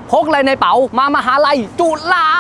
พกอะไรในเป๋ามามหาลัยจุฬา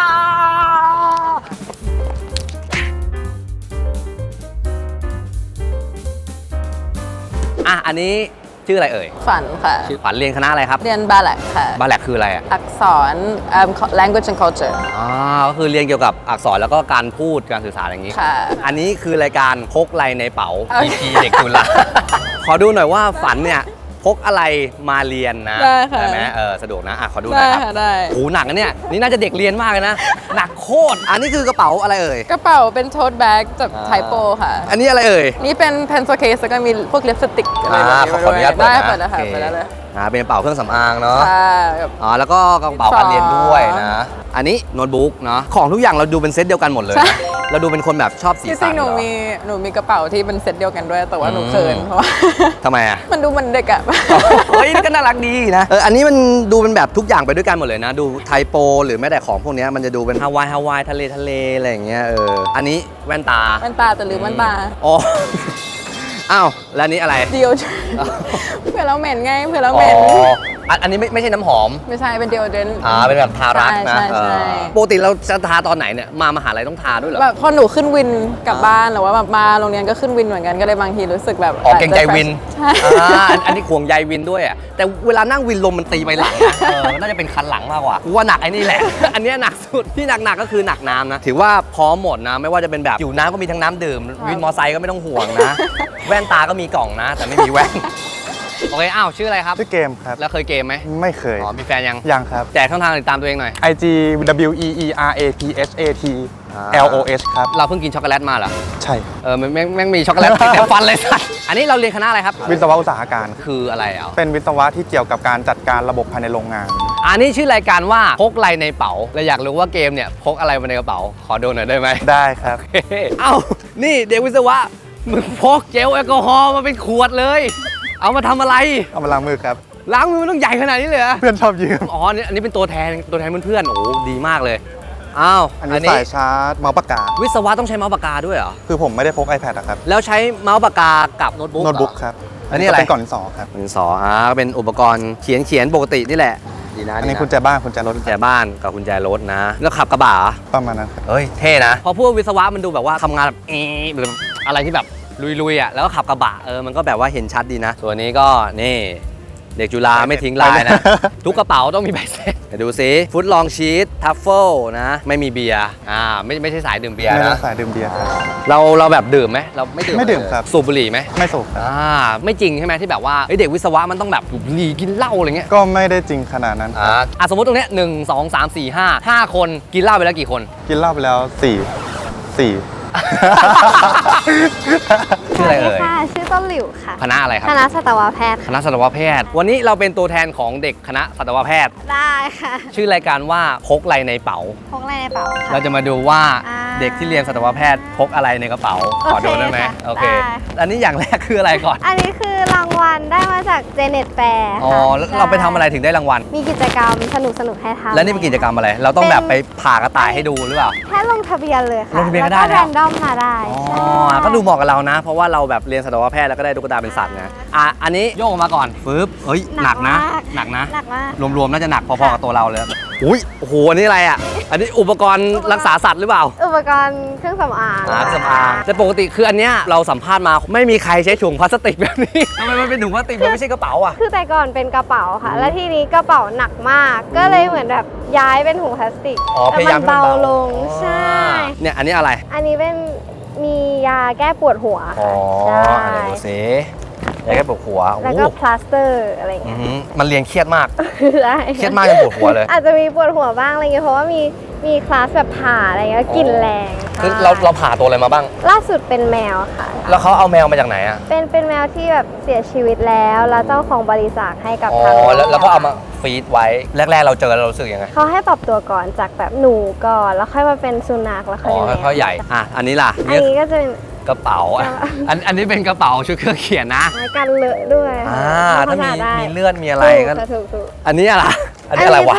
อันนี้ชื่ออะไรเอ่ยฝันค่ะชื่อฝันเรียนคณะอะไรครับเรียนบาแลกค่ะบาแลกคืออะไรอักษร language and culture ก็คือเรียนเกี่ยวกับอักษรแล้วก็การพูดการสื่อสารอย่างนี้ค่ะอันนี้คือรายการพกอะไรในเป๋า EP เด็กจุฬาขอดูหน่อยว่าฝันเนี่ยพกอะไรมาเรียนนะได้ไหมสะดวกนะขอดูหน่อยครับได้โอ้หนักนะเนี่ยนี่น่าจะเด็กเรียนมากเลยนะหนักโคตรอันนี้คือกระเป๋าอะไรเอ่ยกระเป๋าเป็นโทสแบ็กจากไทโปค่ะอันนี้อะไรเอ่ยนี่เป็น pencil case แล้วก็มีพวกลิปสติกอะไรแบบนี้ขออนุญาตเปิดนะเปิดแล้วค่ะเปิดแล้วเลยเป็นกระเป๋าเครื่องสำอางเนาะแล้วก็กระเป๋าการเรียนด้วยนะอันนี้โน้ตบุ๊กเนาะของทุกอย่างเราดูเป็นเซตเดียวกันหมดเลยเราดูเป็นคนแบบชอบสีสันจริงๆหนูมีกระเป๋าที่เป็นเซตเดียวกันด้วยแต่ว่าหนูเขินเพราะว่าทำไมมันดูเหมือนเด็กอะเฮ้ยก็น่ารักดีนะอันนี้มันดูเป็นแบบทุกอย่างไปด้วยกันหมดเลยนะดูไทโปหรือแม้แต่ของพวกนี้มันจะดูเป็นฮาวายทะเลอะไรอย่างเงี้ยอันนี้แว่นตาแต่ลืมแว่นตาอ๋ออ้าวแล้วอันนี้อะไรเดียวเผื่อเราเหม็นไงเผื่อเราเหม็นอันนี้ไม่ใช่น้ำหอมไม่ใช่เป็นเดียวเดนเป็นแบบทารักนะใช่ปกติเราจะทาตอนไหนเนี่ยมหาลัยต้องทาด้วยเหรอแบบพอหนูขึ้นวินกลับบ้านหรือว่าแบบมาโรงเรียนก็ขึ้นวินเหมือนกันก็เลยบางทีรู้สึกแบบเก่งใจวินใช่อันนี้ห่วงใยวินด้วยอ่ะแต่เวลานั่งวินลมมันตีไปหลังน่าจะเป็นคันหลังมากกว่าว่าหนักไอ้นี่แหละอันนี้หนักสุดที่หนักก็คือหนักน้ำนะถือว่าพร้อมหมดนะไม่ว่าจะเป็นแบบอยู่น้ำก็มีทั้งน้ำดื่มวินมอไซค์ก็ไม่ต้องห่วงนะแว่นตาก็มีกล่องนะแต่ไม่มีแว่นโอเคชื่ออะไรครับชื่อเกมครับแล้วเคยเกมไหมไม่เคยมีแฟนยังครับแจกช่องทางติดตามตัวเองหน่อย IG WEERAPHAT LOS ครับเราเพิ่งกินช็อกโกแลตมาเหรอใช่แม่งมีช็อกโกแลตติดฟันเลยสัสอันนี้เราเรียนคณะอะไรครับวิศวะอุตสาหการคืออะไรเป็นวิศวะที่เกี่ยวกับการจัดการระบบภายในโรงงานอันนี้ชื่อรายการว่าพกอะไรในเป๋าเราอยากรู้ว่าเกมเนี่ยพกอะไรมาในกระเป๋าขอดูหน่อยได้ไหมได้ครับนี่เด็กวิศวะมึงพกเจลแอลกอฮอล์มาเป็นขวดเลยเอามาทำอะไรเอามาล้างมือครับล้างมือมันต้องใหญ่ขนาดนี้เลยเหรอเพื่อนชอบยืมอันนี้เป็นตัวแทนเพื่อนโอ้ดีมากเลยอันนี้สายชาร์จเมาส์ปากกาวิศวะต้องใช้เมาส์ปากกาด้วยเหรอคือผมไม่ได้พก iPad อะครับแล้วใช้เมาส์ปากกากับโน้ตบุ๊กครับอันนี้อะไรเป็นกล่องดินสอครับดินสอเป็นอุปกรณ์เขียนปกตินี่แหละดีนะอันนี้กุญแจบ้านกุญแจรถกุญแจบ้านกับกุญแจรถนะแล้วขับกระบะประมาณนั้นครับเฮ้ยเท่นะพอพูดวิศวะมันดูแบบว่าทำงานแบบหรืออะไรที่แบบลุยแล้วก็ขับกระบะมันก็แบบว่าเห็นชัดดีนะส่วนนี้ก็นี่เด็กจุฬาไม่ทิ้งลายนะทุกกระเป๋าต้องมีใบเสร็จดูซิฟุตลองชีสทัฟเฟิลนะไม่มีเบียร์ไม่ใช่สายดื่มเบียร์นะสายดื่มเบียร์ครับเราแบบดื่มไหมเราไม่ดื่มครับสูบบุหรี่ไหมไม่สูบครับไม่จริงใช่ไหมที่แบบว่าเด็กวิศวะมันต้องแบบสูบบุหรี่กินเหล้าอะไรเงี้ยก็ไม่ได้จริงขนาดนั้นสมมติตรงเนี้ย1 2 3 4 5คนกินเหล้าไปแล้วกี่คนกินเหล้าไปแล้ว4 ชื่ออะไรเอ่ยชื่อต้นหลิวค่ะคณะอะไรครับคณะสัตวแพทย์คณะสัตวแพทย์วันนี้เราเป็นตัวแทนของเด็กคณะสัตวแพทย์ได้ค่ะชื่อรายการว่าพกอะไรในเป๋าพกอะไรในเป๋าเราจะมาดูว่าเด็กที่เรียนสัตวแพทย์พกอะไรในกระเป๋าขอดูได้ไหมโอเคอันนี้อย่างแรกคืออะไรก่อนอันนี้คือรางวัลได้มาจากเจเน็ตแฟร์แล้วเราไปทำอะไรถึงได้รางวัลมีกิจกรรมสนุกให้ทำแล้วนี่เป็นกิจกรรมอะไรเราต้องแบบไปผ่ากระต่ายให้ดูหรือเปล่าแค่ลงทะเบียนเลยค่ะลงทะเบียนก็ได้แรนดอมมาได้ก็ดูเหมาะกับเรานะเพราะว่าเราแบบเรียนสัตวแพทย์แล้วก็ได้ตุ๊กตาเป็นสัตว์นะอันนี้โยกออกมาก่อนปึ๊บหนักนะหนักมากรวมๆน่าจะหนักพอๆกับตัวเราเลยโอ้โหอันนี้อะไรอันนี้อุปกรณ์รักษาสัตว์หรือเปล่าอุปกรณ์เครื่องสำอางแต่ปกติคืออันเนี้ยเราสัมภาษณ์มาไม่มีใครใช้ถุงพลาสติกแบบนี้ทำไมมันเป็นถุงพลาสติกมันไม่ใช่กระเป๋าคือแต่ก่อนเป็นกระเป๋าค่ะแล้วทีนี้กระเป๋าหนักมากก็เลยเหมือนแบบย้ายเป็นถุงพลาสติกแต่มันเบาลงใช่เนี่ยอันนี้อะไรอันนี้เป็นมียาแก้ปวดหัวใช่ดูสิยาแก้ปวดหัวแล้วก็พลาสเตอร์อะไรเงี้ยมันเรียนเครียดมากเครียดมากจนปวดหัวเลยอาจจะมีปวดหัวบ้างอะไรเงี้ยเพราะว่ามีคลาสแบบผ่าอะไรเงี้ยกลิ่นแรงคือเราผ่าตัวอะไรมาบ้างล่าสุดเป็นแมวค่ะแล้วเขาเอาแมวมาจากไหนเป็นแมวที่แบบเสียชีวิตแล้วเจ้าของบริจาคให้กับทางแล้วก็เอามาฟีดไว้แรกๆเราเจอเรารู้สึกยังไงเขาให้ปรับตัวก่อนจากแบบหนูก่อนแล้วค่อยมาเป็นสุนัขแล้วค่อยแมวใหญ่อันนี้ล่ะอันนี้ก็จะเป็นกระเป๋าอันนี้เป็นกระเป๋าชุดเครื่องเขียนนะกันเลอะด้วยถ้ามีเลือดมีอะไรก็ถูกอันนี้อะไรอันนี้จะเป็นโท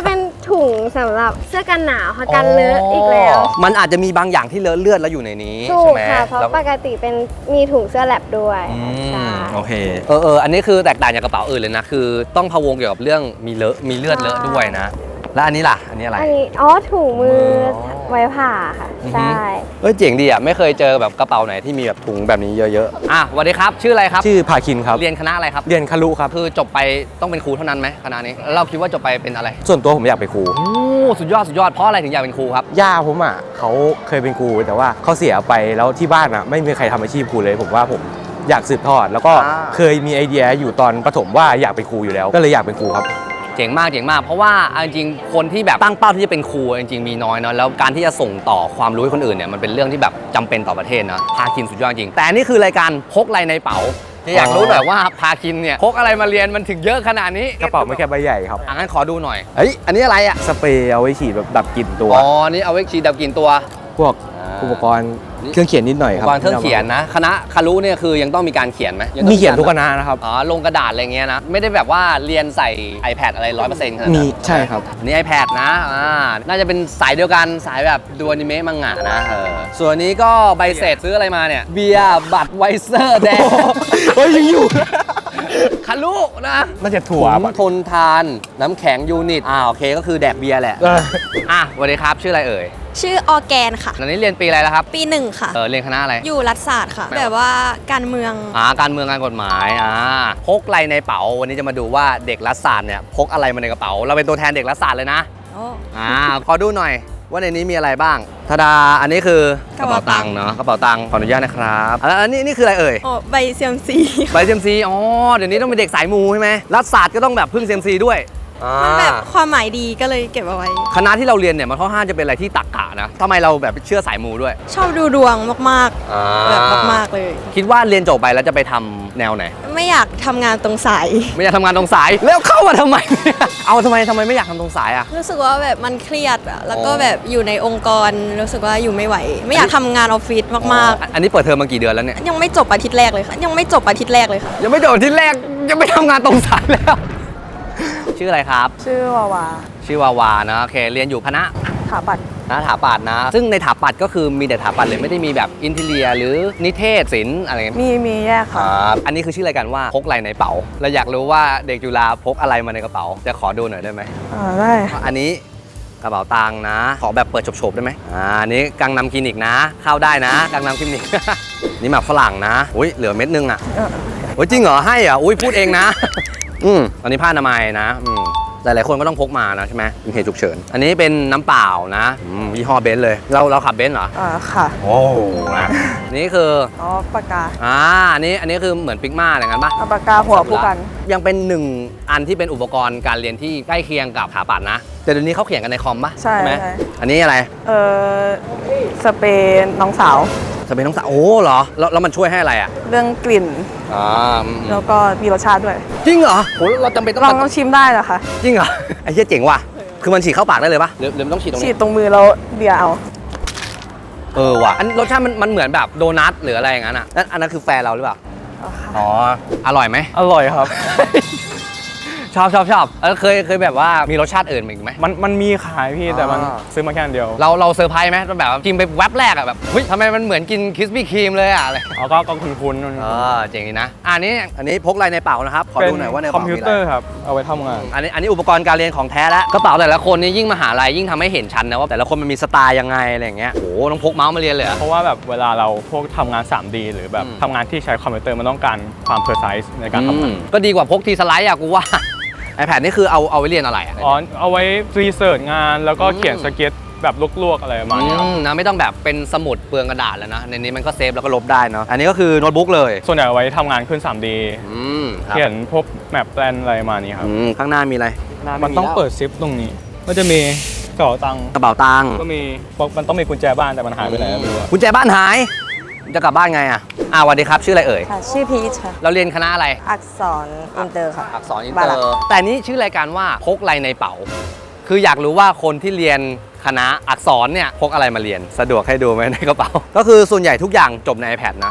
ถุงสำหรับเสื้อกันหนาวค่ะกันเลอะอีกแล้วมันอาจจะมีบางอย่างที่เลอะเลือดแล้วอยู่ในนี้ถูใช่กไหมค่ะเพราะแล้วปกติเป็นมีถุงเสื้อแลบด้วยอืมใช่โอเคอันนี้คือแตกต่างจากกระเป๋าอื่นเลยนะคือต้องพะวงเกี่ยวกับเรื่องมีเลือดเลอะด้วยนะแล้วอันนี้ล่ะอันนี้อะไรอันนี้ถุงมือไว้ผ่าค่ะอือฮึใช่เจ๋งดีอ่ะไม่เคยเจอแบบกระเป๋าไหนที่มีแบบถุงแบบนี้เยอะๆสวัสดีครับชื่ออะไรครับชื่อภาคินครับเรียนคณะอะไรครับเรียนคารุครับคือจบไปต้องเป็นครูเท่านั้นไหมคณะนี้แล้วเราคิดว่าจบไปเป็นอะไรส่วนตัวผมอยากเป็นครูโอ้สุดยอดเพราะอะไรถึงอยากเป็นครูครับย่าผมอ่ะเขาเคยเป็นครูแต่ว่าเขาเสียไปแล้วที่บ้านอ่ะไม่มีใครทำอาชีพครูเลยผมว่าผมอยากสืบทอด แล้วก็อ่าเคยมีไอเดียอยู่ตอนประถมว่าอยากเป็นครูอยู่แล้ว ก็เลยอยากเป็นครูครับเจ๋งมากเพราะว่าเอาจริงๆคนที่แบบตั้งเป้าที่จะเป็นครูจริงๆมีน้อยเนาะแล้วการที่จะส่งต่อความรู้ให้คนอื่นเนี่ยมันเป็นเรื่องที่แบบจำเป็นต่อประเทศนะพาคินสุดยอดจริงแต่อันนี่คือรายการพกอะไรในเป๋าอยากรู้หน่อยว่าพาคินเนี่ยพกอะไรมาเรียนมันถึงเยอะขนาดนี้กระเป๋าไม่แค่ใบใหญ่ครับงั้นขอดูหน่อยเฮ้ยอันนี้อะไรอ่ะสเปรย์เอาไว้ฉีดแบบดับกลิ่นตัวอ๋อนี่เอาไว้ฉีดดับกลิ่นตัวพวกอุปกรณ์เครื่องเขียนนิดหน่อยครับวางเครื่องเขียนนะคณะคารุเนี่ยคือยังต้องมีการเขียนไหมงต้องมีเขียนทุกคณะนะครับลงกระดาษอะไรเงี้ยนะไม่ได้แบบว่าเรียนใส่ iPad อะไร 100%ขนาดนั้นมีใช่ครับนี่ iPad นะน่าจะเป็นสายเดียวกันสายแบบดูอนิเมะมังงะนะส่วนนี้ก็ใบเสร็จซื้ออะไรมาเนี่ยเบียร์บัตรไวเซอร์แดงเฮ้ยยังอยู่คารุนะน่าจะถั่วถุงทนทานน้ำแข็งยูนิตโอเคก็คือแดกเบียร์แหละสวัสดีครับชื่ออะไรเอ่ยชื่อออร์แกนค่ะตอนนี้เรียนปีอะไรแล้วครับปีหนึ่งค่ะเรียนคณะอะไรอยู่รัฐศาสตร์ค่ะ แบบว่าการเมืองการเมืองการกฎหมายพกอะไรในเป๋าวันนี้จะมาดูว่าเด็กรัฐศาสตร์เนี่ยพกอะไรมาในกระเป๋าเราเป็นตัวแทนเด็กรัฐศาสตร์เลยนะขอดูหน่อยว่าในนี้มีอะไรบ้างทาดาอันนี้คือกระเป๋าตังค์เนาะกระเป๋าตังค์ขออนุญาตนะครับแล้วอันนี้นี่คืออะไรเอ่ยอ๋อ ใบเซียมซีใบเซียมซีเดี๋ยวนี้ต้องเป็นเด็กสายมูใช่ไหมรัฐศาสตร์ก็ต้องแบบพึ่งเซียมซีด้วยมันแบบความหมายดีก็เลยเก็บเอาไว้คณะที่เราเรียนเนี่ยมันค่อนข้างจะเป็นอะไรที่ตรรกะนะทำไมเราแบบเชื่อสายมูด้วยชอบดูดวงมากๆ แบบมากๆเลยคิดว่าเรียนจบไปแล้วจะไปทำแนวไหนไม่อยากทำงานตรงสายไม่อยากทำงานตรงสายแล้วเข้ามาทำไม เอาทำไมไม่อยากทำตรงสายอ่ะรู้สึกว่าแบบมันเครียดอะแล้วก็แบบอยู่ในองค์กรรู้สึกว่าอยู่ไม่ไหว ไม่อยากทำงานออฟฟิศมากอันนี้เปิดเทอมมากี่เดือนแล้วเนี่ยๆ ยังไม่จบอาทิตย์แรกเลยค่ะ ยังไม่จบอาทิตย์แรกเลยค่ะยังไม่โดดที่แรกยังไม่ทำงานตรงสายแล้ว ชื่ออะไรครับชื่อวาวาชื่อวาวานะโอเคเรียนอยู่คณะถาปัดถาปัตย์นะ ซึ่งในถาปัตย์ก็คือมีแต่ถาปัตย์เลยไม่ได้มีแบบอินทีเรียหรือนิเทศศิลป์อะไรเงี้ยมีแยกค่ะอันนี้คือชื่อรายการว่าพกอะไรในเป๋าเราอยากรู้ว่าเด็กจุฬาพกอะไรมาในกระเป๋าจะขอดูหน่อยได้ไหมได้อันนี้กระเป๋าตังค์นะ ขอแบบเปิดโฉบๆได้ไหมอันนี้กังนำคลินิกนะ เข้าได้นะกังนำคลินิก นี่หมากฝรั่งนะอุ้ยเหลือเม็ดนึงอ่ะโอ้ยจริงเหรอให้อ่ะอุ้ยพูดเองนะ อันนี้ผ้าอนามัยนะหลายๆคนก็ต้องพกมานะใช่ไหมเป็นเหตุฉุกเฉินอันนี้เป็นน้ำเปล่านะยี่ห้อเบนซ์เลยเราขับเบนซ์เหรอค่ะโอ้นะนี่คือปากกาอันนี้คือเหมือนปิกมาอะไรกันปะปากกาหัวผู้กันยังเป็นหนึ่งอันที่เป็นอุปกรณ์การเรียนที่ใกล้เคียงกับถาปัตย์นะแต่เดี๋ยวนี้เขาเขียนกันในคอมปะใช่ไหมใช่อันนี้อะไรสเปรย์น้องสาวจะเป็นน้องสาวโอ้เหรอแล้วมันช่วยให้อะไรอ่ะเรื่องกลิ่น แล้วก็มีรสชาติด้วยจริงเหรอโหเราจำเป็นต้องลองชิมได้เหรอคะจริงเหรอไอ้เหี้ยเจ๋งว่ะคือมันฉีดเข้าปากได้เลยปะหรือมันต้องฉีดตรงฉีนี้ดตรงมือแล้วเบียร์เอาว่ะอันรสชาติมันเหมือนแบบโดนัทหรืออะไรอย่างนั้นอ่ะอันนั้นคือแฟนเราหรือเปล่าอร่อยไหมอร่อยครับชอบเคยแบบว่ามีรสชาติอื่นอีกไหมมันมีขายพี่แต่มันซื้อมาแค่อันเดียวเราเซอร์ไพรส์ไหมแบบกินไปแวบแรกอะแบบเฮ้ยทำไมมันเหมือนกินคิสปี้ครีมเลยอะอะไรก็คุ้นๆเจ๋งดีนะอันนี้พกอะไรในเป๋านะครับขอดูหน่อยว่าในคอเป๋ามพิวมีเตออะไรร์ครับเอาไว้ทำงานอันนี้อุปกรณ์การเรียนของแท้แล้วกระเป๋าแต่ละคนนี่ยิ่งมหาลัยยิ่งทำให้เห็นชัดนะว่าแต่ละคนมันมีสไตล์ยังไงอะไรอย่างเงี้ยโอ้ต้องพกเมาส์มาเรียนเลยเหรอเพราะว่าแบบเวลาเราพวกทำงาน 3D หรือแบบทำงานที่ใช้คอมพิวเตอร์มันต้องการความ precise ในการทำงานก็ดีกว่าพกทีสไลด์อะกูว่า iPad นี่คือเอาไว้เรียนอะไรอะเอาไว้รีเสิร์ชงานแล้วก็เขียนสเก็ตแบบลวกๆอะไรประมาณนี้ครับนะไม่ต้องแบบเป็นสมุดเปลืองกระดาษแล้วนะในนี้มันก็เซฟแล้วก็ลบได้เนาะอันนี้ก็คือโน้ตบุ๊กเลยส่วนใหญ่เอาไว้ทำงานขึ้น 3D ครับเขียนพวกแมปแปลนอะไรประมาณนี้ครับข้างหน้ามีอะไรมันต้องเปิดซิปตรงนี้ก็จะมีกระเป๋าตังค์กระเป๋าตังค์ก็มีมันต้องมีกุญแจบ้านแต่มันหายไปไหนไม่รู้อะกุญแจบ้านหายจะกลับบ้านไงอ่ะสวัสดีครับชื่ออะไรเอ่ยค่ะ ชื่อพีชค่ะเราเรียนคณะอะไรอักษรอินเตอร์ค่ะอักษรอินบาเตลัอก ร์แต่นี้ชื่อรายการว่าพกอะไรในเป๋า คืออยากรู้ว่าคนที่เรียนคณะอักษรเนี่ยพกอะไรมาเรียนสะดวกให้ดูไหมในกระเป๋า ก็คือส่วนใหญ่ทุกอย่างจบใน iPad นะ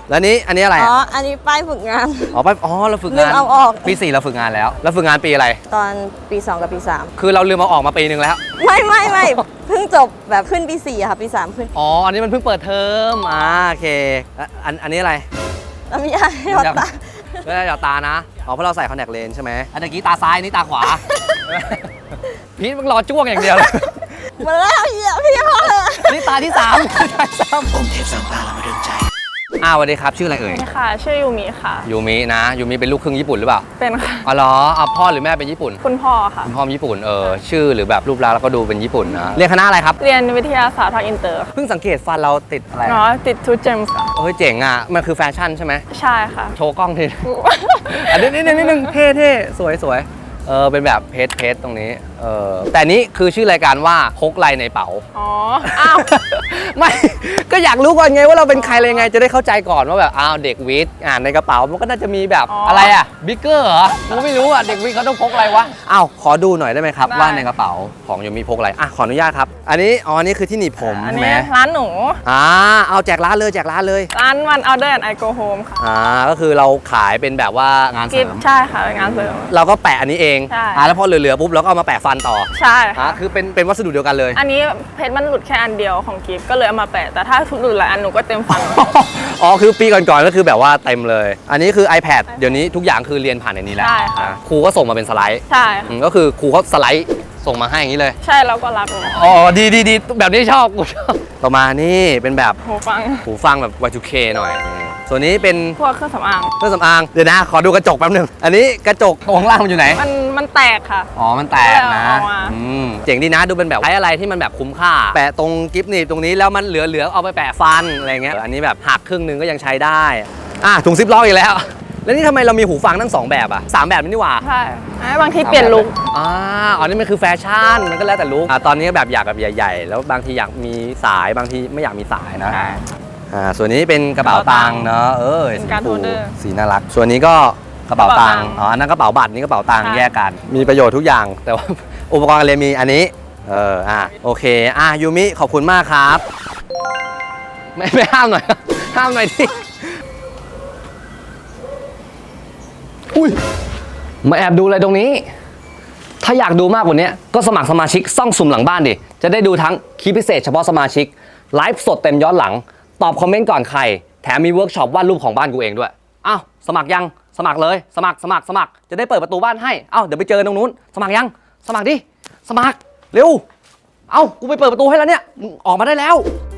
แล้วอันนี้อะไรอ๋ออ่ะอันนี้ป้ายฝึกงานเราฝึกลืงานมเอาออกปี 4เราฝึกงานแล้วแล้วฝึกงานปีอะไรตอนปี 2 กับปีคือเราลืมเอาออกมาปีนึงแล้ว 3 ไม่เพิ่งจบแบบขึ้นปี 4อะค่ะ ปี 3 ขึ้นอ๋ออันนี้มันเพิ่งเปิดเทอมโอเคแล้วอันนี้อะไรน้ำยาหยอดตาไม่ได้หยอดตานะอ๋อเพราะเราใส่คอนแทคเลนส์ใช่ไหมอันเมื่อกี้ตาซ้ายนี่ตาขวา พีทมึงรอจ้วงอย่างเดียวเลยมาแล้วพี่พอเลยอันนี้ตาที่3ตาที่3ผมเทพสร้างตาเรามาเดินใจสวัสดีครับชื่ออะไรเอ่ยค่ะ ชื่อยูมิค่ะยูมินะยูมิเป็นลูกครึ่งญี่ปุ่นหรือเปล่าเป็นค่ะอ๋อเหรอพ่อหรือแม่เป็นญี่ปุ่นคุณพ่อค่ะคุณพ่อญี่ปุ่นชื่อหรือแบบรูปลักษณ์แล้วก็ดูเป็นญี่ปุ่นนะเรียนคณะอะไรครับเรียนวิทยาศาสตร์ภาคอินเตอร์ค่ะเพิ่งสังเกตฟันเราติดอะไรเนาะติดทูเจมส์ค่ะเฮ้ยเจ๋งอ่ะมันคือแฟชั่นใช่ไหมใช่ค่ะโชว์กล้องที อันนี้นิดนึงเท่สวยเป็นแบบเพชรตรงนี้แต่นี้คือชื่อรายการว่าพกไรในเป๋าอ๋อ อ้าวไม่ ก็อยากรู้ก่อนไงว่าเราเป็นใครอะไรไงจะได้เข้าใจก่อนว่าแบบเด็กวิทย์ในกระเป๋ามันก็น่าจะมีแบบอ๋อออะไรอ่ะบิ๊กเกอร์เหรอกูไม่รู้อ่ะเด็กวิทย์เขาต้องพกอะไรวะขอดูหน่อยได้ไหมครับได้ว่าในกระเป๋าของยูมีพกอะไรขออนุญาตครับอันนี้คือที่หนีบผมอันใช่ไหมนี้ร้านหนูเอาแจกร้านเลยร้านวัน Order and I Go Home ค่ะก็คือเราขายเป็นแบบว่างานเสกิริฟมใช่ค่ะเป็นงานเสริมเราก็แปะอันนี้เองใช่แล้วพอเหลือๆปุ๊บเราก็เอามาแปะฟันต่อใช่ค่ะคือเป็นวัสดุเดียวกันเลยอันนี้เพชรมันหลุดแค่อันเดียวของกิฟก็เลยเอามาแปะ แต่ถ้าทุกหลุดหลายอันหนูก็เต็มฟันคือปีก่อนๆก็คือแบบว่าเต็มเลย อันนี้คือ iPad เดี๋ยวนี้ทุกอย่างคือเรียนผ่านในนี้แล้วใช่ค่ะครูก็ส่งมาเป็นสไลด์ใช่ค่ะก็คือครูเขาสไลด์ส่งมาให้อย่างนี้เลยใช่แล้วก็รักเลยดีแบบนี้ชอบกูชอบต่อมานี่เป็นแบบหูฟังหูฟังแบบ Y2K หน่อยนี่ส่วนนี้เป็นพวกเครื่องสำอางเครื่องสำอางเดี๋ยวนะขอดูกระจกแป๊บนึงอันนี้กระจกตรงข้างล่างมันอยู่ไหนมันแตกค่ะมันแตกนะเอามาเจ๋งดีนะดูเป็นแบบใช้อะไรที่มันแบบคุ้มค่า แปะตรงกิฟต์หนีบตรงนี้แล้วมันเหลือเอาไปแปะฟันอะไรเงี้ยอันนี้แบบหักครึ่งนึงก็ยังใช้ได้ถุงซิปล็อกอีกแล้ว แล้วนี่ทำไมเรามีหูฟังทั้ง2แบบ3แบบนี่หว่าใช่บางทีเปลี่ยนลุคอันนี้มันคือแฟชั่นมันก็แล้วแต่ลุคตอนนี้แบบอยากแบบใหญ่ๆแล้วบางทีอยากมีสายบางทีไม่อยากมีสายนะใช่ส่วนนี้เป็นกระเป๋าตังค์เนาะเป็นการ์ดสีโฮลเดอร์สีน่ารักส่วนนี้ก็กระเป๋าตังค์กระเป๋าตังค์อันนั้นกระเป๋าบัตรนี่กระเป๋าตังค์ใช่แยกกัน มีประโยชน์ทุกอย่าง แต่ว่า อุปกรณ์การเรียนมีอันนี้โอเคยูมิขอบคุณมากครับ ไม่ห้ามหน่อย ห้ามหน่อยที่อุ้ยมาแอบดูอะไรตรงนี้ ถ้าอยากดูมากกว่านี้ก็สมัครสมาชิกซ่องสุ่มหลังบ้านดิจะได้ดูทั้งคลิปพิเศษเฉพาะสมาชิกไลฟ์สดเต็มย้อนหลังตอบคอมเมนต์ก่อนใครแถมมีเวิร์กช็อปวาดรูปของบ้านกูเองด้วยสมัครยังสมัครเลยสมัครจะได้เปิดประตูบ้านให้เดี๋ยวไปเจอตรงนู้นสมัครยังสมัครดิสมัครเร็วกูไปเปิดประตูให้แล้วเนี่ยมึงออกมาได้แล้ว